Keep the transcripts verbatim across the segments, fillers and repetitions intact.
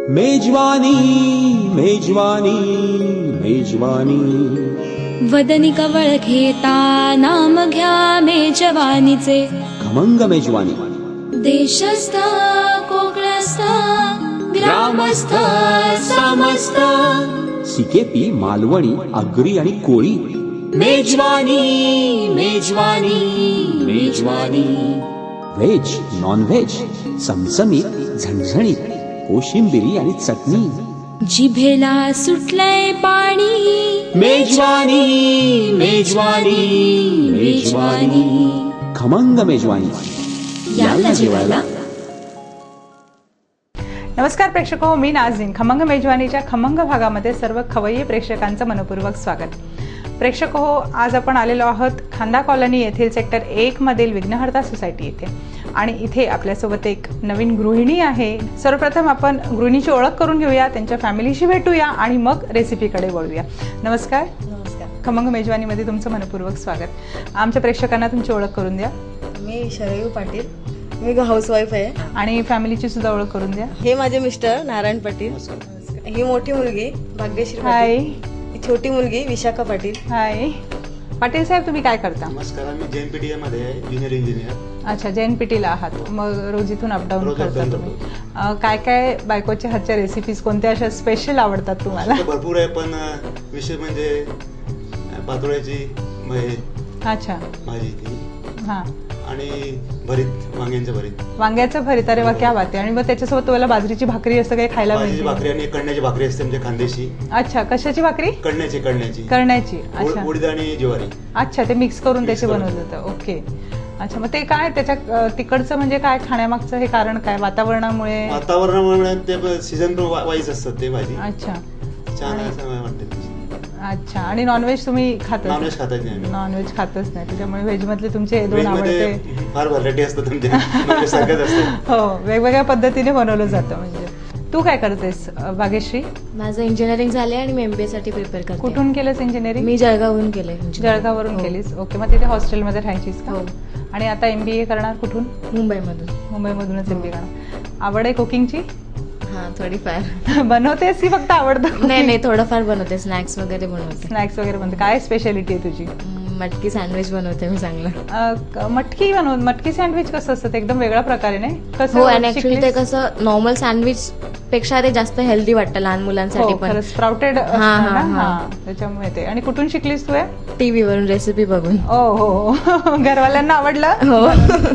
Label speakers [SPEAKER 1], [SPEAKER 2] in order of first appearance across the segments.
[SPEAKER 1] मेजवानी मेजवानी मेजवानी
[SPEAKER 2] वदनी कवळ घेता नाम घ्या मेजवानीचे
[SPEAKER 1] खमंग मेजवानी
[SPEAKER 2] देशस्थ कोकणस्थ ग्रामस्थ समस्त
[SPEAKER 1] सिकेपी मालवणी आगरी आणि कोळी मेजवानी मेजवानी मेजवानी व्हेज नॉन व्हेज चमचमीत झणझणीत कोशिंबिरी आणि चटणी
[SPEAKER 2] जिभेला सुटलंय पाणी
[SPEAKER 1] मेजवानी मेजवानी मेजवानी खमंग मेजवानी याला जेवायला.
[SPEAKER 3] नमस्कार प्रेक्षको, मी नाझीन. खमंग मेजवानीच्या खमंग भागामध्ये सर्व खवय्ये प्रेक्षकांचं मनपूर्वक स्वागत. प्रेक्षक हो, आज आपण आलेलो आहोत खांदा कॉलनी येथील सेक्टर एक मधील विघ्नहर्ता सोसायटी येथे आणि इथे आपल्यासोबत एक नवीन गृहिणी आहे. सर्वप्रथम आपण गृहिणीची ओळख करून घेऊया, त्यांच्या फॅमिलीशी भेटूया आणि मग रेसिपीकडे वळूया. नमस्कार.
[SPEAKER 4] नमस्कार.
[SPEAKER 3] खमंग मेजवानीमध्ये तुमचं मनपूर्वक स्वागत. आमच्या प्रेक्षकांना तुमची ओळख करून द्या.
[SPEAKER 4] मी शरयू पाटील, मी हाऊसवाईफ आहे.
[SPEAKER 3] आणि फॅमिलीची सुद्धा ओळख करून द्या.
[SPEAKER 4] हे माझे मिस्टर नारायण पाटील, ही मोठी मुलगी भाग्यश्री
[SPEAKER 3] हाय.
[SPEAKER 4] पाटील, ही छोटी मुलगी विशाखा पाटील.
[SPEAKER 3] हाय पाटील साहेब, तुम्ही काय करता?
[SPEAKER 5] नमस्कार, मी जैन पीटीए मध्ये आहे, ज्युनियर इंजिनियर.
[SPEAKER 3] अच्छा, जैन पीटीला आहात. मग रोज इथून अपडाऊन करता तुम्ही. काय काय बायकोच्या हातच्या रेसिपीज कोणत्या अशा स्पेशल आवडतात तुम्हाला?
[SPEAKER 5] भरपूर आहे, पण विशेष म्हणजे पातोळ्याची
[SPEAKER 3] अच्छा
[SPEAKER 5] भाजी ती
[SPEAKER 3] हा
[SPEAKER 5] आणि भरीत, वांग्यांचं भरीत.
[SPEAKER 3] वांग्याचं भरीत, अरे वा, क्या बात आहे. आणि मग त्याच्यासोबत तुम्हाला बाजरीची भाकरी असं काही खायला
[SPEAKER 5] भाजीची
[SPEAKER 3] मिळते?
[SPEAKER 5] भाकरी आणि कणण्याची भाकरी असते म्हणजे खांदेशी.
[SPEAKER 3] अच्छा, कशाची भाकरी?
[SPEAKER 5] कणण्याची कणण्याची
[SPEAKER 3] करण्याची. अच्छा,
[SPEAKER 5] उडीद आणि ज्वारी.
[SPEAKER 3] अच्छा, ते मिक्स करून
[SPEAKER 5] Mix
[SPEAKER 3] त्याचे
[SPEAKER 5] करून.
[SPEAKER 3] बनवलं जातं. ओके. अच्छा, मग ते काय त्याच्या तिकडचं म्हणजे काय खाण्यामागचं हे कारण काय? वातावरणामुळे?
[SPEAKER 5] वातावरणामुळे ते सीझन वाईज असतात ते भाजी.
[SPEAKER 3] अच्छा,
[SPEAKER 5] छान असं वाटते.
[SPEAKER 3] अच्छा. आणि नॉनव्हेज तुम्ही खात?
[SPEAKER 5] नॉनव्हेज खातच नाही.
[SPEAKER 3] नॉनव्हेज खातच नाही, त्याच्यामुळे व्हेज मधले तुमचे हे दोन
[SPEAKER 5] व्हेज मध्ये
[SPEAKER 3] आवडते.
[SPEAKER 5] फार व्हरायटी असतात तुमचे, नॉनव्हेज सारखंच असतं.
[SPEAKER 3] हो, वेगवेगळ्या पद्धतीने बनवलं जातं. म्हणजे तू काय करतेस भाग्यश्री?
[SPEAKER 6] माझं इंजिनिअरिंग झाले आणि मी एमबीए साठी प्रिपेअर करते.
[SPEAKER 3] कुठून केलंस इंजिनिअरिंग?
[SPEAKER 6] मी जळगाववरून केले.
[SPEAKER 3] जळगाववरून केलीस. ओके. मग तिथे हॉस्टेलमध्ये राहायचीस का?
[SPEAKER 6] हो.
[SPEAKER 3] आणि आता एमबीए करणार कुठून?
[SPEAKER 6] मुंबईमधून.
[SPEAKER 3] मुंबईमधूनच एमबीए करणार. आवड आहे कुकिंगची?
[SPEAKER 6] हा, थोडीफार.
[SPEAKER 3] बनवतेस की फक्त आवडतं?
[SPEAKER 6] नाही नाही, थोडंफार बनवते. स्नॅक्स वगैरे बनवते.
[SPEAKER 3] स्नॅक्स वगैरे बनते. काय स्पेशालिटी आहे तुझी?
[SPEAKER 6] मटकी सँडविच बनवते मी चांगलं.
[SPEAKER 3] अं, मटकी बनव. मटकी सँडविच कसं असतं? ते एकदम वेगळ्या प्रकारे नाही कसं?
[SPEAKER 6] हो, आणि ऍक्च्युली ते कसं नॉर्मल सँडविच पेक्षा ते जास्त हेल्दी वाटतं लहान मुलांसाठी पण.
[SPEAKER 3] स्प्राउटेड त्याच्यामुळे ते. आणि कुठून शिकलीस तू?
[SPEAKER 6] टीव्ही वरून रेसिपी बघून.
[SPEAKER 3] ओ हो, घरवाल्यांना आवडलं?
[SPEAKER 6] हो.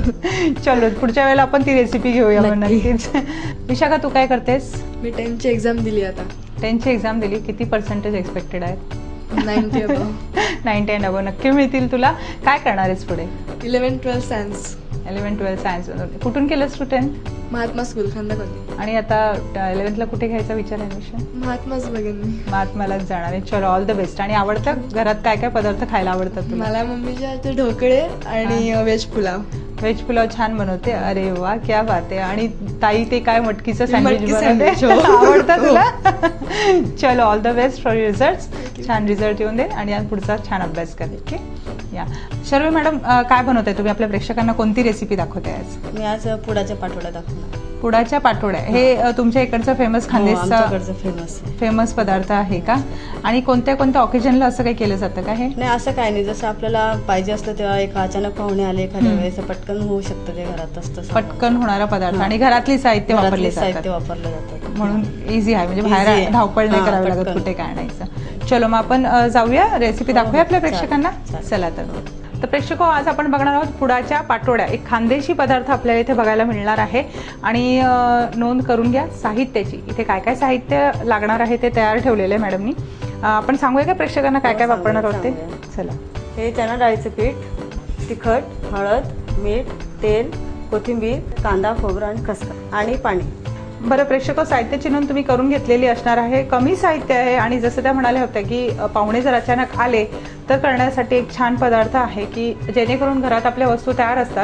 [SPEAKER 3] चलो, पुढच्या वेळेला आपण ती रेसिपी घेऊया मग नक्कीच. विशाखा, तू काय करतेस?
[SPEAKER 7] मी टेन्थची एक्झाम दिली आता.
[SPEAKER 3] टेन्थची एक्झाम दिली. किती पर्सेंटेज एक्सपेक्टेड आहेत?
[SPEAKER 7] Ninety above.
[SPEAKER 3] Ninety and above नक्की मिळतील तुला. काय करणार आहेस पुढे?
[SPEAKER 7] Eleven twelfth science.
[SPEAKER 3] Eleven twelfth science. कुठून केलंस तू tenth?
[SPEAKER 7] Mahatma school, Khanda colony.
[SPEAKER 3] आणि आता इलेव्हन्थला कुठे घ्यायचा विचार आहे? ऍडमिशन
[SPEAKER 7] महात्माच बघेन मी.
[SPEAKER 3] महात्मालाच जाणार आहे. चलो, ऑल द बेस्ट. आणि आवडतं घरात काय काय पदार्थ खायला आवडतात तुला?
[SPEAKER 7] मला मम्मीच्या हातचे ढोकळे आणि व्हेज पुलाव.
[SPEAKER 3] व्हेज पुलाव छान बनवते. अरे वा, क्या बात आहे. आणि ताई ते काय मटकीचं सँडविच
[SPEAKER 7] मटकी
[SPEAKER 3] बनवते?
[SPEAKER 7] सँडविच, हो.
[SPEAKER 3] आवडतं तुला? चलो, all the best for result. छान रिझल्ट येऊन दे आणि आज पुढचा छान अभ्यास कर. ओके. या शर्वे मॅडम, काय बनवताय तुम्ही? आपल्या प्रेक्षकांना कोणती रेसिपी दाखवते आज?
[SPEAKER 4] मी आज पुडाच्या पाठोड्या दाखवणार.
[SPEAKER 3] पुडाच्या पाटोड्या हे तुमच्या इकडचं फेमस खानदेशचा
[SPEAKER 4] फेमस
[SPEAKER 3] फेमस पदार्थ आहे का? आणि कोणत्या कोणत्या ऑकेजनला असं काही केलं जातं का? हे
[SPEAKER 4] नाही, असं काय नाही. जसं आपल्याला पाहिजे असतं तेव्हा एक अचानक पाहुणे आले एखाद्या वेळेस पटकन होऊ शकतं ते घरात असतं.
[SPEAKER 3] पटकन होणारा पदार्थ आणि घरातली साहित्य वापरले
[SPEAKER 4] साहित्य वापरलं जातं
[SPEAKER 3] म्हणून इझी आहे. म्हणजे बाहेर धावपळ नाही करावी लागत कुठे काय आणायचं. चलो, मग आपण जाऊया, रेसिपी दाखवूया आपल्या प्रेक्षकांना. चला तर. तर प्रेक्षको, आज आपण बघणार आहोत पुडाच्या पाटोड्या. एक खानदेशी पदार्थ आपल्याला इथे बघायला मिळणार आहे. आणि नोंद करून घ्या साहित्याची. इथे काय काय साहित्य लागणार आहे ते तयार ठेवलेलं आहे मॅडमनी. आपण सांगूया का प्रेक्षकांना काय काय वापरणार आहोत ते? चला.
[SPEAKER 4] हे चणा डाळीचं पीठ, तिखट, हळद, मीठ, तेल, कोथिंबीर, कांदा, खोबरं आणि खसखस आणि पाणी.
[SPEAKER 3] बरं प्रेक्षको, साहित्याची नोंद तुम्ही करून घेतलेली असणार आहे. कमी साहित्य आहे आणि जसं त्या म्हणाल्या होत्या की पाहुणे जर अचानक आले तर करण्यासाठी एक छान पदार्थ आहे की जेणेकरून घरात आपल्या वस्तू तयार असतात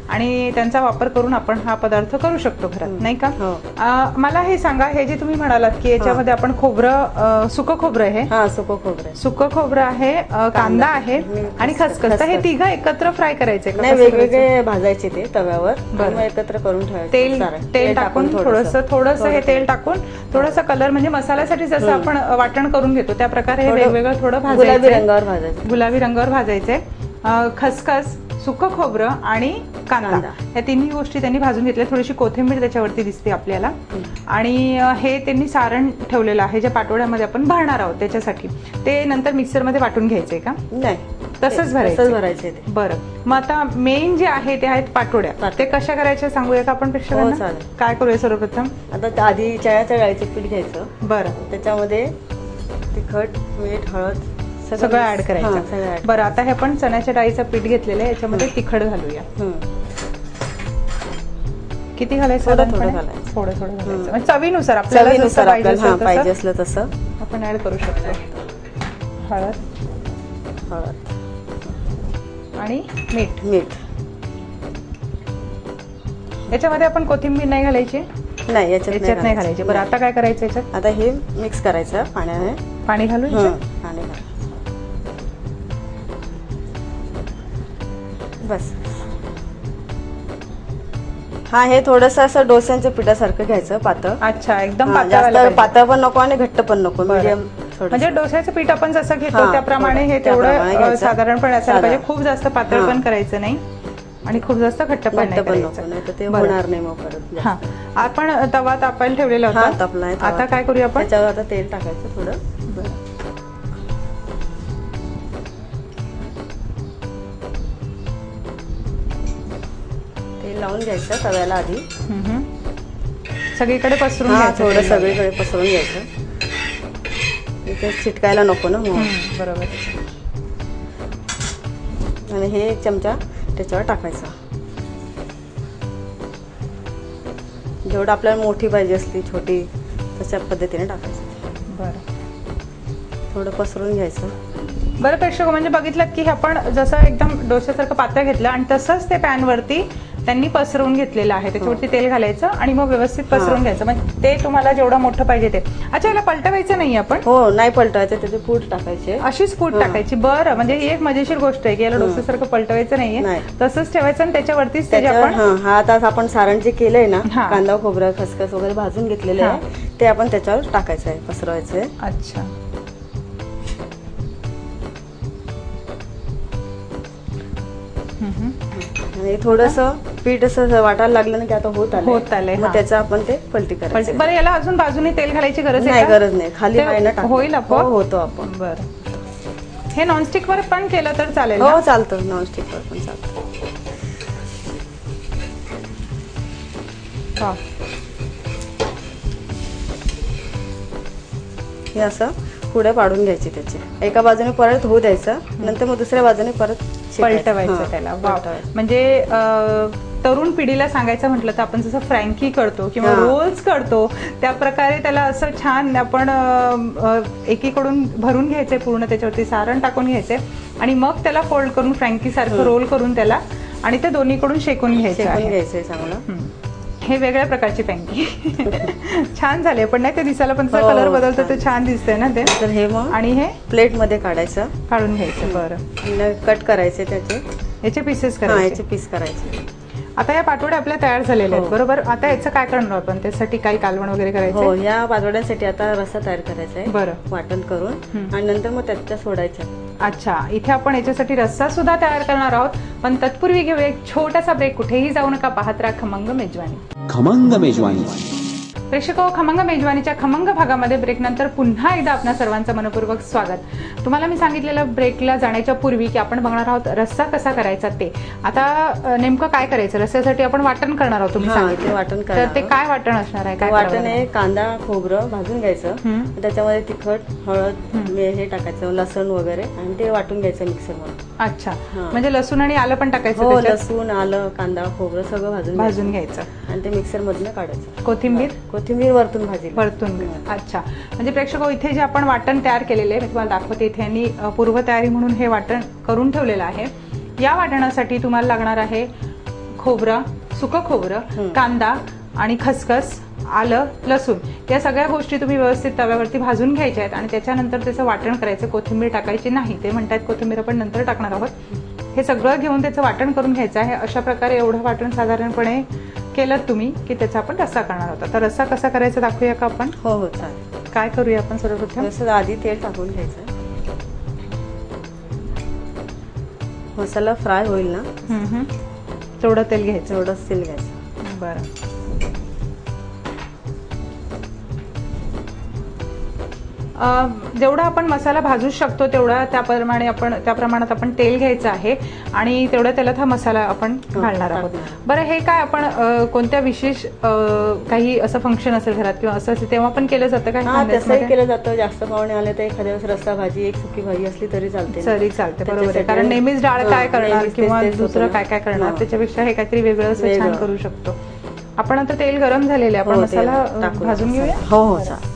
[SPEAKER 3] आणि त्यांचा वापर करून आपण हा पदार्थ करू शकतो घरात, नाही का?
[SPEAKER 4] हो.
[SPEAKER 3] अं, मला हे सांगा, हे जे तुम्ही म्हणालात की याच्यामध्ये आपण खोबरं, अं, सुकं खोबरं आहे,
[SPEAKER 4] हा सुकं खोबरं आहे.
[SPEAKER 3] सुकं खोबरं आहे, अं, कांदा आहे आणि खसखस. तर हे तिघं एकत्र फ्राय करायचे का?
[SPEAKER 4] नाही,
[SPEAKER 3] कसं करायचं?
[SPEAKER 4] वेगवेगळे भाजायचे ते तव्यावर
[SPEAKER 3] बरं.
[SPEAKER 4] आणि मग एकत्र करून ठेवायचे.
[SPEAKER 3] तेल
[SPEAKER 4] सारण.
[SPEAKER 3] तेल टाकून थोडंसं थोडंसं हे तेल टाकून थोडंसं कलर, म्हणजे मसाल्यासाठी जसं आपण वाटण करून घेतो त्या प्रकारे हे
[SPEAKER 4] थोडं
[SPEAKER 3] वेगवेगळं थोडं
[SPEAKER 4] गुलाबी
[SPEAKER 3] भाजायचं,
[SPEAKER 4] रंगावर भाजायचं.
[SPEAKER 3] गुलाबी रंगावर भाजायचे. अं, खसखस, सुकं खोबरं आणि कांदा,
[SPEAKER 4] कांदा.
[SPEAKER 3] या तिन्ही गोष्टी त्यांनी भाजून घेतल्या. थोडीशी कोथिंबीर त्याच्यावरती दिसते आपल्याला. आणि अं, हे त्यांनी सारण ठेवलेलं आहे जे पाटोड्यामध्ये आपण भरणार आहोत त्याच्यासाठी. ते नंतर मिक्सरमध्ये वाटून घ्यायचंय का?
[SPEAKER 4] नाही,
[SPEAKER 3] तसंच भरायचं?
[SPEAKER 4] तसंच भरायचे ते.
[SPEAKER 3] बरं, मग आता मेन जे आहे ते आहेत पाटोड्या.
[SPEAKER 4] पाटोड्या.
[SPEAKER 3] ते कशा करायच्या सांगूया का आपण
[SPEAKER 4] हो,
[SPEAKER 3] प्रेक्षकांना?
[SPEAKER 4] चालेल.
[SPEAKER 3] काय करूया सर्वप्रथम?
[SPEAKER 4] आता त्या आधी चण्याच्या डाळीचं पीठ घ्यायचं.
[SPEAKER 3] बरं,
[SPEAKER 4] त्याच्यामध्ये तिखट, मीठ, हळद
[SPEAKER 3] सगळं ऍड
[SPEAKER 4] हा, सगळं
[SPEAKER 3] करायचं.
[SPEAKER 4] add.
[SPEAKER 3] बरं, आता हे आपण चण्याच्या डाळीचं पीठ घेतलेलं आहे, याच्यामध्ये तिखट घालूया.
[SPEAKER 4] हं.
[SPEAKER 3] किती घालायचं?
[SPEAKER 4] थोडं थोडं
[SPEAKER 3] साधारणपणे?
[SPEAKER 4] घालायचं.
[SPEAKER 3] थोडं थोडं घालायचं, म्हणजे चवीनुसार आपल्याला जसं
[SPEAKER 4] चवीनुसार
[SPEAKER 3] पाहिजे
[SPEAKER 4] आपल्याला हा,
[SPEAKER 3] असेल
[SPEAKER 4] पाहिजे
[SPEAKER 3] तसं
[SPEAKER 4] असलं तसं
[SPEAKER 3] आपण ऍड करू शकतो. हळद
[SPEAKER 4] हळद
[SPEAKER 3] आणि मीठ.
[SPEAKER 4] मीठ
[SPEAKER 3] याच्यामध्ये आपण कोथिंबीर नाही घालायची?
[SPEAKER 4] नाही, याच्यात
[SPEAKER 3] याच्यात नाही घालायची. बरं, आता काय करायचं याच्यात?
[SPEAKER 4] आता हे मिक्स करायचं पाण्याने.
[SPEAKER 3] पाणी घालून
[SPEAKER 4] हं,
[SPEAKER 3] याच्यात?
[SPEAKER 4] पाणी घाल. बस. हा, हे थोडंसं असं डोस्यांच्या पिठासारखं घ्यायचं, पातळ.
[SPEAKER 3] अच्छा, एकदम
[SPEAKER 4] हा,
[SPEAKER 3] पातळ व्हायला
[SPEAKER 4] जास्त
[SPEAKER 3] पाहिजे.
[SPEAKER 4] पातळ पण नको आणि घट्ट पण नको,
[SPEAKER 3] बरं.
[SPEAKER 4] मीडियम.
[SPEAKER 3] म्हणजे डोस्याचं पीठ आपण जसं घेतो
[SPEAKER 4] हा,
[SPEAKER 3] त्याप्रमाणे हे
[SPEAKER 4] थोडं त्याप्रमाणे
[SPEAKER 3] तेवढं
[SPEAKER 4] घ्यायचं.
[SPEAKER 3] साधारणपणे असायला पाहिजे.
[SPEAKER 4] साधारण.
[SPEAKER 3] खूप जास्त पातळ
[SPEAKER 4] हा.
[SPEAKER 3] पण करायचं नाही आणि खूप जास्त घट्ट पण
[SPEAKER 4] घट्ट
[SPEAKER 3] नाही
[SPEAKER 4] पण नको,
[SPEAKER 3] करायचं.
[SPEAKER 4] नाही तर ते
[SPEAKER 3] बरं.
[SPEAKER 4] होणार नाही मग परत.
[SPEAKER 3] हा, आपण तवा तापायला ठेवलेला
[SPEAKER 4] हा,
[SPEAKER 3] होता.
[SPEAKER 4] तापलाय तवा.
[SPEAKER 3] आता काय करूया आपण?
[SPEAKER 4] त्याच्यावर आता तेल टाकायचं थोडं. तेल लावून घ्यायचं तव्याला आधी.
[SPEAKER 3] हम्म. सगळीकडे पसरून
[SPEAKER 4] हा,
[SPEAKER 3] घ्यायचं
[SPEAKER 4] थोडं
[SPEAKER 3] तेल.
[SPEAKER 4] सगळीकडे पसरवून घ्यायचं. इथे चिटकायला नको ना मग.
[SPEAKER 3] हम्म, बरोबर.
[SPEAKER 4] आणि हे एक चमचा त्याच्यावर टाकायचा. जेवढं आपल्याला मोठी पाहिजे असली, छोटी, तशा पद्धतीने टाकायचं.
[SPEAKER 3] बरं
[SPEAKER 4] थोडं पसरून घ्यायचं.
[SPEAKER 3] बरं प्रेक्षक, म्हणजे बघितलं की आपण जसं एकदम डोश्यासारखं पातळ घेतलं आणि तसंच ते पॅनवरती त्यांनी पसरवून घेतलेलं आहे. त्याच्यावरती तेल घालायचं आणि मग व्यवस्थित पसरवून घ्यायचं. म्हणजे ते तुम्हाला जेवढं मोठं पाहिजे ते. अच्छा, याला पलटवायचं नाही आपण?
[SPEAKER 4] हो, नाही पलटवायचं, त्याचे पूड टाकायचे.
[SPEAKER 3] अशीच पूड
[SPEAKER 4] हा.
[SPEAKER 3] टाकायची? बरं, म्हणजे ही एक मजेशीर गोष्ट आहे की याला डोस्यासारखं पलटवायचं नाहीये,
[SPEAKER 4] नाही.
[SPEAKER 3] तसंच ठेवायचं आणि त्याच्यावरतीच ते जे
[SPEAKER 4] त्याच्यावर
[SPEAKER 3] आपण
[SPEAKER 4] हा, हा आता आपण सारण जे केलंय ना,
[SPEAKER 3] हा.
[SPEAKER 4] कांदा, खोबरं, खसखस वगैरे भाजून घेतलेलं आहे, ते आपण त्याच्यावर टाकायचं आहे, पसरवायचं आहे.
[SPEAKER 3] अच्छा
[SPEAKER 4] आणि थोडंसं पीठ असं वाटायला लागलं ना की आता होत आलं
[SPEAKER 3] होत आलंय, हा.
[SPEAKER 4] मग त्याचं आपण ते पलटी
[SPEAKER 3] पलटी.
[SPEAKER 4] करायचं.
[SPEAKER 3] बरं, याला अजून बाजूने तेल घालायची गरज आहे
[SPEAKER 4] नाही,
[SPEAKER 3] का?
[SPEAKER 4] गरज नाही, खाली
[SPEAKER 3] ते
[SPEAKER 4] बाहेरनं टाक.
[SPEAKER 3] होईल
[SPEAKER 4] हो,
[SPEAKER 3] आपोआप?
[SPEAKER 4] होतो आपण.
[SPEAKER 3] बरं, हे नॉनस्टिक वर पण केलं तर चालेल ना?
[SPEAKER 4] हो, चालतं, नॉनस्टिकवर पण चालतं.
[SPEAKER 3] हा.
[SPEAKER 4] हे असं पुढे पाडून घ्यायची त्याची. एका बाजूने परत होऊ द्यायचं, नंतर मग दुसऱ्या बाजूने परत शेकायचं.
[SPEAKER 3] पलटवायचं
[SPEAKER 4] हा,
[SPEAKER 3] त्याला. वाव.
[SPEAKER 4] पलटवायचं.
[SPEAKER 3] म्हणजे अं, तरुण पिढीला सांगायचं म्हटलं तर आपण जसं फ्रँकी करतो किंवा
[SPEAKER 4] हा.
[SPEAKER 3] रोल्स करतो त्या प्रकारे त्याला असं छान आपण अं, अं, एकीकडून भरून घ्यायचंय, पूर्ण त्याच्यावरती सारण टाकून घ्यायचंय आणि मग त्याला फोल्ड करून फ्रँकी सारखं रोल करून त्याला आणि ते दोन्हीकडून शेकून घ्यायचं
[SPEAKER 4] शेकून
[SPEAKER 3] आहे.
[SPEAKER 4] घ्यायचंय चांगलं.
[SPEAKER 3] हम्म. हे वेगळ्या प्रकारची फ्रँकी छान झाले, पण नाही ते दिसायला पण
[SPEAKER 4] हो,
[SPEAKER 3] कलर बदलतो ते
[SPEAKER 4] छान.
[SPEAKER 3] छान दिसतंय ना ते.
[SPEAKER 4] तर हे मग
[SPEAKER 3] आणि हे
[SPEAKER 4] प्लेट मध्ये काढायचं,
[SPEAKER 3] काढून घ्यायचं. बरं,
[SPEAKER 4] कट करायचे त्याचे.
[SPEAKER 3] याचे पीसेस
[SPEAKER 4] हा,
[SPEAKER 3] करायचे.
[SPEAKER 4] याचे पीस करायचे.
[SPEAKER 3] आता या पाटोड्या आपल्या तयार झालेल्या आहेत,
[SPEAKER 4] हो.
[SPEAKER 3] बरोबर. आता याचं काय करणार आपण? त्यासाठी काही कालवण वगैरे
[SPEAKER 4] हो,
[SPEAKER 3] करायचं?
[SPEAKER 4] या पातोड्यांसाठी आता रस्सा तयार करायचा आहे.
[SPEAKER 3] बरं.
[SPEAKER 4] वाटण करून आणि नंतर मग त्याच्या सोडायच्या.
[SPEAKER 3] अच्छा, इथे आपण याच्यासाठी रस्सा सुद्धा तयार करणार आहोत, पण तत्पूर्वी घेऊया एक छोटासा ब्रेक. कुठेही जाऊ नका, पाहत राहा खमंग मेजवानी.
[SPEAKER 1] खमंग मेजवानी.
[SPEAKER 3] प्रेक्षको, खमंग मेजवानीच्या खमंग भागामध्ये ब्रेक नंतर पुन्हा एकदा आपणा सर्वांचं मनपूर्वक स्वागत. तुम्हाला मी सांगितलेलं ब्रेकला जाण्याच्या पूर्वी की आपण बघणार आहोत रस्सा कसा करायचा ते. आता नेमकं काय करायचं? रस्स्यासाठी आपण वाटण करणार आहोत, तुम्ही
[SPEAKER 4] हा, ते
[SPEAKER 3] सांगितलं.
[SPEAKER 4] वाटण
[SPEAKER 3] तर
[SPEAKER 4] करणार
[SPEAKER 3] ते
[SPEAKER 4] आहोत.
[SPEAKER 3] काय वाटण असणार आहे? काय
[SPEAKER 4] वाटण
[SPEAKER 3] करावं
[SPEAKER 4] आहे कांदा, खोबरं भाजून घ्यायचं,
[SPEAKER 3] हम्म.
[SPEAKER 4] त्याच्यामध्ये तिखट, हळद, मे- हे टाकायचं, लसण वगैरे, आणि ते वाटून घ्यायचं मिक्सर मध्ये.
[SPEAKER 3] अच्छा,
[SPEAKER 4] हा.
[SPEAKER 3] म्हणजे लसूण आणि आलं पण टाकायचं
[SPEAKER 4] हो,
[SPEAKER 3] त्याच्यात?
[SPEAKER 4] लसूण, आलं, कांदा, खोबरं सगळं भाजून
[SPEAKER 3] भाजून
[SPEAKER 4] घ्यायचं.
[SPEAKER 3] घ्यायचं.
[SPEAKER 4] आणि ते मिक्सर मधनं काढायचं.
[SPEAKER 3] कोथिंबीर?
[SPEAKER 4] कोथिंबीर वरतून भाजी
[SPEAKER 3] परतून. अच्छा, म्हणजे प्रेक्षको, इथे जे आपण वाटण तयार केलेले आहे मी तुम्हाला दाखवते. इथे यांनी पूर्वतयारी म्हणून हे वाटण करून ठेवलेलं आहे. या वाटणासाठी तुम्हाला लागणार आहे खोबरं, सुकं खोबरं, कांदा आणि खसखस, आलं, लसूण या सगळ्या गोष्टी तुम्ही व्यवस्थित तव्यावरती भाजून घ्यायच्या आहेत आणि त्याच्यानंतर त्याचं वाटण करायचं. कोथिंबीर टाकायची नाही, ते म्हणतात कोथिंबीर आपण नंतर टाकणार आहोत. हे सगळं घेऊन त्याचं वाटण करून घ्यायचं आहे. अशा प्रकारे एवढं वाटण साधारणपणे केलं तुम्ही की त्याचा आपण रस्सा करणार होता. तर रस्सा कसा करायचा दाखवूया का आपण?
[SPEAKER 4] हो हो चालेल.
[SPEAKER 3] काय करूया आपण सर्वप्रथम?
[SPEAKER 4] जसं आधी तेल टाकून घ्यायचं. मसाला फ्राय होईल ना
[SPEAKER 3] हम्म, हम्म. तेवढं तेल घ्यायचं.
[SPEAKER 4] तेवढंच तेल घ्यायचं.
[SPEAKER 3] बरं. अं, जेवढा आपण मसाला भाजू शकतो तेवढा त्याप्रमाणे आपण त्या प्रमाणात आपण तेल घ्यायचं आहे आणि तेवढ्या तेलात हा मसाला आपण घालणार आहोत. बरं, हे काय आपण अं, कोणत्या विशेष अं, काही असं फंक्शन असेल घरात किंवा असं असेल तेव्हा पण केलं जातं का?
[SPEAKER 4] हा, तसंही केलं जातं. जास्त पाहुणे आले तर एखाद्या वेळेस रस्सा भाजी, एक सुकी भाजी असली तरी चालते.
[SPEAKER 3] तरी चालते, बरोबर आहे. कारण नेहमीच डाळ काय करणार किंवा दुसरं काय काय करणार, त्याच्यापेक्षा हे काहीतरी वेगळं असं छान करू शकतो आपण. आता तेल गरम झालेले, आपण मसाला भाजून घेऊया.
[SPEAKER 4] हो हो चालेल.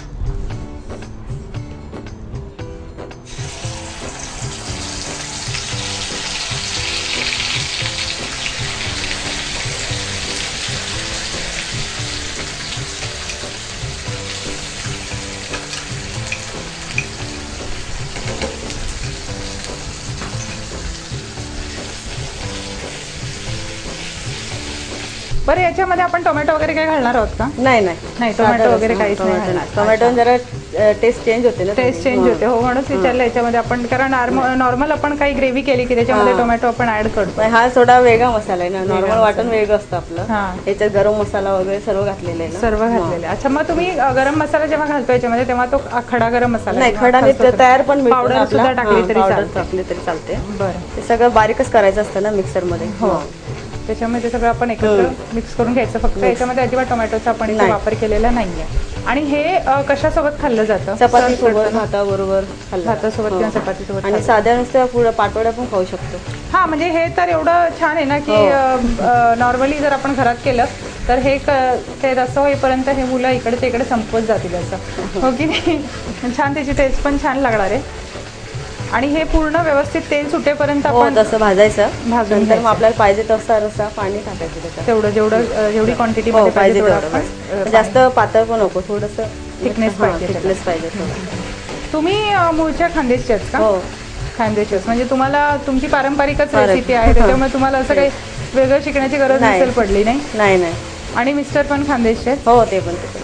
[SPEAKER 3] बरं, याच्यामध्ये आपण टोमॅटो वगैरे काय घालणार आहोत का?
[SPEAKER 4] नाही नाही
[SPEAKER 3] नाही, टोमॅटो वगैरे काहीच नाही घालणार.
[SPEAKER 4] टोमॅटो जरा टेस्ट चेंज होते ना.
[SPEAKER 3] टेस्ट चेंज होते, हो, म्हणूनच विचारलं याच्यामध्ये आपण. कारण नॉर्मल आपण काही ग्रेव्ही केली की त्याच्यामध्ये टोमॅटो आपण ऍड करतो.
[SPEAKER 4] हा थोडा वेगळा मसाला आहे ना. नॉर्मल वाटण वेगळं असतं आपलं.
[SPEAKER 3] हा,
[SPEAKER 4] याच्यात गरम मसाला वगैरे सर्व घातलेलं आहे ना.
[SPEAKER 3] सर्व घातलेलं. अच्छा, मग तुम्ही अ, गरम मसाला जेव्हा घालतो याच्यामध्ये तेव्हा तो अ, खडा गरम मसाला
[SPEAKER 4] नाही, खडा नाही, ते तयार पण मिळतो
[SPEAKER 3] पावडर
[SPEAKER 4] ना
[SPEAKER 3] सुद्धा
[SPEAKER 4] आपला.
[SPEAKER 3] टाकली तरी
[SPEAKER 4] पावडर
[SPEAKER 3] चालते.
[SPEAKER 4] टाकली तरी चालते.
[SPEAKER 3] बरं,
[SPEAKER 4] ते सगळं बारीकच करायचं असतं ना मिक्सर मध्ये.
[SPEAKER 3] हो, त्याच्यामध्ये ते सगळं आपण एकत्र मिक्स करून घ्यायचं. फक्त याच्यामध्ये अजिबात टोमॅटोचा आपण इथे वापर केलेला नाहीये. आणि हे अ, कशासोबत खाल्लं जातं?
[SPEAKER 4] चपाती सोबत, भाताबरोबर खाल्लं.
[SPEAKER 3] भातासोबत किंवा चपातीसोबत.
[SPEAKER 4] आणि साध्या नुसत्या पुढे पाटोड्या पण खाऊ शकतो.
[SPEAKER 3] हा, म्हणजे हे तर एवढं छान आहे ना की नॉर्मली जर आपण घरात केलं तर हे क- ते रस्सा होईपर्यंत हे मुलं इकडे इकडे संपवत जातील असं, हो की नाही? छान, त्याची टेस्ट पण छान लागणार आहे. आणि हे पूर्ण व्यवस्थित तेल सुटेपर्यंत आपण
[SPEAKER 4] तसं भाजायचं.
[SPEAKER 3] भाजून
[SPEAKER 4] नंतर मग आपल्याला पाहिजे तसा रस्सा पाणी टाकायचं त्याच्यात.
[SPEAKER 3] तेवढं जेवढं अ, जेवढी क्वांटिटी
[SPEAKER 4] हो, पाहिजे
[SPEAKER 3] तेवढं
[SPEAKER 4] तेवढं.
[SPEAKER 3] आपण,
[SPEAKER 4] जास्त पातळ पण नको, थोडंसं
[SPEAKER 3] थिकनेस पाहिजे.
[SPEAKER 4] थिकनेस पाहिजे थोडं.
[SPEAKER 3] तुम्ही अ, मूळच्या खानदेशच्याच का?
[SPEAKER 4] हो,
[SPEAKER 3] खानदेशच. म्हणजे तुम्हाला तुमची पारंपरिकच
[SPEAKER 4] पारं-
[SPEAKER 3] रेसिपी आहे, त्याच्यामुळे तुम्हाला असं काही वेगळं शिकण्याची गरज
[SPEAKER 4] नाही.
[SPEAKER 3] नसेल पडली, नाही?
[SPEAKER 4] नाही नाही.
[SPEAKER 3] आणि मिस्टर पण खानदेशचे?
[SPEAKER 4] हो, ते पण ते पण.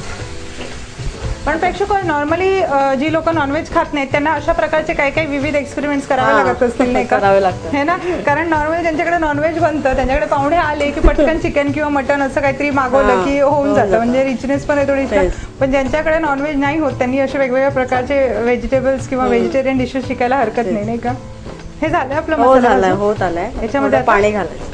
[SPEAKER 3] पण प्रेक्षक, नॉर्मली जी लोक नॉनव्हेज खात नाहीत त्यांना अशा प्रकारचे काही काही विविध एक्सपेरिमेंट्स करावे
[SPEAKER 4] हा.
[SPEAKER 3] लागत असतील, नाही का?
[SPEAKER 4] करावे लागतात.
[SPEAKER 3] हे ना, कारण नॉर्मली ज्यांच्याकडे नॉनव्हेज बनतं त्यांच्याकडे पाहुणे आले की पटकन चिकन किंवा मटन असं काहीतरी मागवलं
[SPEAKER 4] हा.
[SPEAKER 3] की होऊन
[SPEAKER 4] होऊन
[SPEAKER 3] जातं,
[SPEAKER 4] जातं.
[SPEAKER 3] म्हणजे रिचनेस पण आहे थोडी.
[SPEAKER 4] तेच.
[SPEAKER 3] पण ज्यांच्याकडे नॉनव्हेज नाही होत त्यांनी असे वेगवेगळ्या प्रकारचे व्हेजिटेबल्स किंवा व्हेजिटेरियन डिशेस शिकायला हरकत नाही, नाही का? हे झालं आपलं
[SPEAKER 4] हो,
[SPEAKER 3] मसाला
[SPEAKER 4] झालाय,
[SPEAKER 3] भाजून?
[SPEAKER 4] होत आलाय.
[SPEAKER 3] याच्यामध्ये
[SPEAKER 4] थोडं पाणी घालायचं.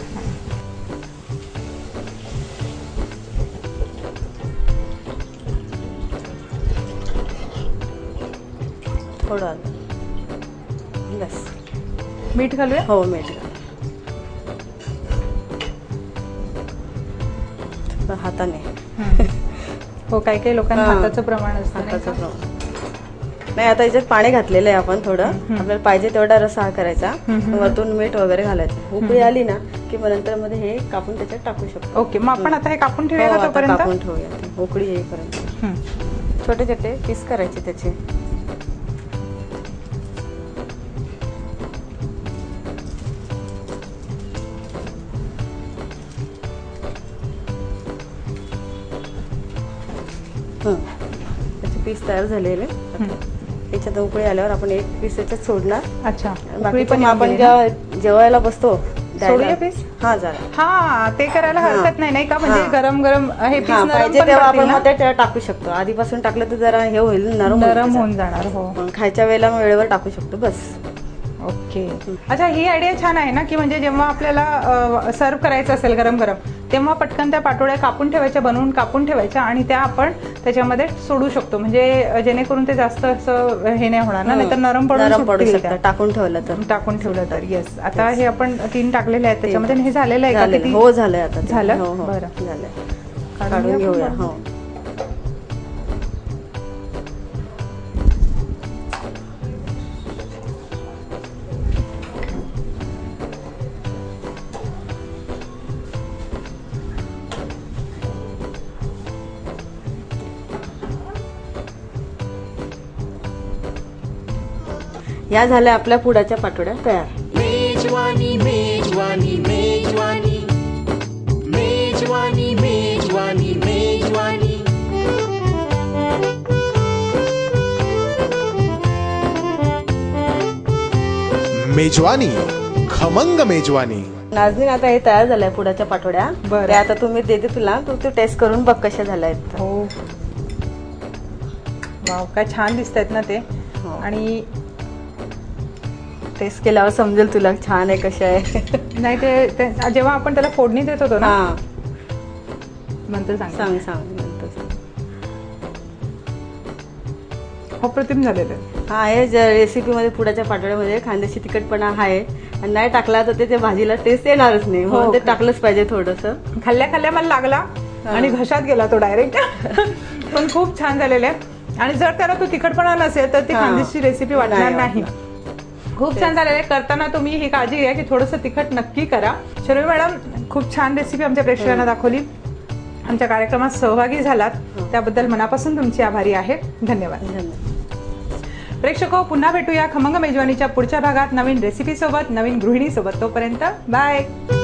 [SPEAKER 4] थोडं आलं. बस.
[SPEAKER 3] मीठ घालूया.
[SPEAKER 4] हो, मीठ घाल. हाताने.
[SPEAKER 3] हो, काही काही लोकांना
[SPEAKER 4] हा.
[SPEAKER 3] हाताचं प्रमाण असतं, नाही
[SPEAKER 4] हाताचं
[SPEAKER 3] का?
[SPEAKER 4] प्रमाण. नाही, आता याच्यात पाणी घातलेलं आहे आपण थोडं. आपल्याला पाहिजे तेवढा रस्सा हा करायचा. वरतून मीठ वगैरे घालायचं. उकळी आली ना की मग नंतर मध्ये हे कापून त्याच्यात टाकू शकतो.
[SPEAKER 3] ओके, मग आपण आता हे कापून
[SPEAKER 4] हो,
[SPEAKER 3] ठेवूया का
[SPEAKER 4] आता
[SPEAKER 3] तोपर्यंत?
[SPEAKER 4] कापून ठेवूया ते. उकळी येईपर्यंत
[SPEAKER 3] हं.
[SPEAKER 4] छोटे छोटे पीस करायचे त्याचे. हं. त्याचे पीस तयार झालेले. त्याच्यात उकळी आल्यावर आपण एक पीस त्याच्यात सोडणार.
[SPEAKER 3] अच्छा, उकळी
[SPEAKER 4] बाकी
[SPEAKER 3] पण
[SPEAKER 4] पण
[SPEAKER 3] येऊन
[SPEAKER 4] आपण
[SPEAKER 3] गेली ना?
[SPEAKER 4] जेव्हा जेवायला बसतो
[SPEAKER 3] सोडूया पीस?
[SPEAKER 4] हा, झालं.
[SPEAKER 3] हा, ते करायला हरकत नाही, नाही का? म्हणजे
[SPEAKER 4] हा.
[SPEAKER 3] गरम गरम हे पीस
[SPEAKER 4] हा,
[SPEAKER 3] नरम
[SPEAKER 4] पाहिजे
[SPEAKER 3] पण
[SPEAKER 4] तेव्हा
[SPEAKER 3] पडतील
[SPEAKER 4] आपण
[SPEAKER 3] ना?
[SPEAKER 4] मग ते त्याला टाकू शकतो. आधीपासून टाकलं तर जरा हे होईल, नरम होईल
[SPEAKER 3] नरम
[SPEAKER 4] त्याचं.
[SPEAKER 3] होऊन जाणार. हो,
[SPEAKER 4] पण खायच्या वेळेला मग वेळेवर टाकू शकतो बस.
[SPEAKER 3] ओके. अच्छा, ही आयडिया छान आहे ना, की म्हणजे जेव्हा आपल्याला सर्व करायचं असेल गरम गरम तेव्हा पटकन त्या पाटोळ्या कापून ठेवायच्या, बनवून कापून ठेवायच्या आणि त्या आपण त्याच्यामध्ये सोडू शकतो, म्हणजे जेणेकरून ते जास्त असं हे नाही होणार ना, नाहीतर नरम पडून
[SPEAKER 4] नरम पडू
[SPEAKER 3] सुटतील
[SPEAKER 4] शकतं
[SPEAKER 3] त्या.
[SPEAKER 4] टाकून ठेवलं तर.
[SPEAKER 3] टाकून ठेवलं तर. येस, आता हे आपण तीन टाकलेले आहेत त्याच्यामध्ये. हे झालेलं आहे का?
[SPEAKER 4] झालेलं.
[SPEAKER 3] किती?
[SPEAKER 4] हो, झालंय आता ते.
[SPEAKER 3] झालं?
[SPEAKER 4] हो, हो,
[SPEAKER 3] बरं.
[SPEAKER 4] झालंय. काढून घेऊया. हो, या झाल्या आपल्या पुडाच्या पाटोड्या तयार.
[SPEAKER 1] मेजवानी मेजवानी मेजवानी मेजवानी मेजवानी मेजवानी
[SPEAKER 8] मेजवानी खमंग मेजवानी.
[SPEAKER 4] नाजनीन आता हे तयार झालंय पुडाच्या पाटोड्या.
[SPEAKER 3] बरं.
[SPEAKER 4] ते आता तुम्ही देते तुला, तू तू टेस्ट करून बघ कशा झाल्या आहेत.
[SPEAKER 3] हो वाव, काय छान दिसत आहेत ना ते.
[SPEAKER 4] हो.
[SPEAKER 3] आणि
[SPEAKER 4] टेस्ट केल्यावर समजेल तुला छान आहे कशा आहे.
[SPEAKER 3] नाही ते ते- जेव्हा आपण त्याला फोडणी देत होतो ना,
[SPEAKER 4] हा
[SPEAKER 3] नंतर सांग.
[SPEAKER 4] सांग सांग नंतर सांग.
[SPEAKER 3] अप्रतिम झालेलं.
[SPEAKER 4] हा हे रेसिपी मध्ये पुडाच्या पाटोड्यामध्ये खांद्याची तिखटपणा आहे आणि नाही टाकला तर ते त्या भाजीला टेस्ट येणारच नाही.
[SPEAKER 3] हो
[SPEAKER 4] म्हणून ते
[SPEAKER 3] का?
[SPEAKER 4] टाकलंच पाहिजे थोडंसं.
[SPEAKER 3] खाल्ल्या खाल्ल्या मला लागला आणि घशात गेला तो डायरेक्ट. पण खूप छान झालेले आहे. आणि जर त्याला तो तिखटपणा नसेल तर ती
[SPEAKER 4] हा.
[SPEAKER 3] खांद्याची रेसिपी वाटणार
[SPEAKER 4] नाही
[SPEAKER 3] नाही. खूप छान झालेलं आहे. करताना तुम्ही ही काळजी घ्या की थोडंसं तिखट नक्की करा. शर्मी मॅडम खूप छान रेसिपी आमच्या प्रेक्षकांना दाखवली. आमच्या कार्यक्रमात सहभागी झालात त्याबद्दल मनापासून तुमची आभारी आहे. धन्यवाद.
[SPEAKER 4] धन्यवाद.
[SPEAKER 3] प्रेक्षको, पुन्हा भेटूया खमंग मेजवानीच्या पुढच्या भागात नवीन रेसिपी सोबत, नवीन गृहिणी सोबत. तोपर्यंत बाय.